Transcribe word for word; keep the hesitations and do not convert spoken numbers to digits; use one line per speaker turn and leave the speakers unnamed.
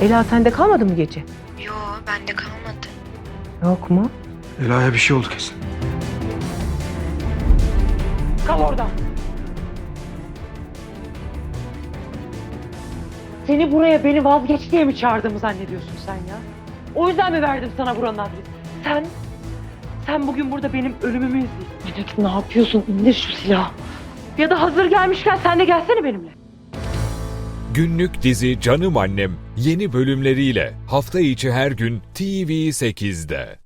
Ela sende kalmadı mı gece?
Yo, bende kalmadı.
Yok mu?
Ela'ya bir şey oldu kesin.
Kal orada. Seni buraya beni vazgeç diye mi çağırdığımı zannediyorsun sen ya? O yüzden mi verdim sana buranın adresi? Sen, sen bugün burada benim ölümümü izliyorsun. Melek ne yapıyorsun? İndir şu silahı. Ya da hazır gelmişken sen de gelsene benimle.
Günlük dizi Canım Annem yeni bölümleriyle hafta içi her gün T V sekizde.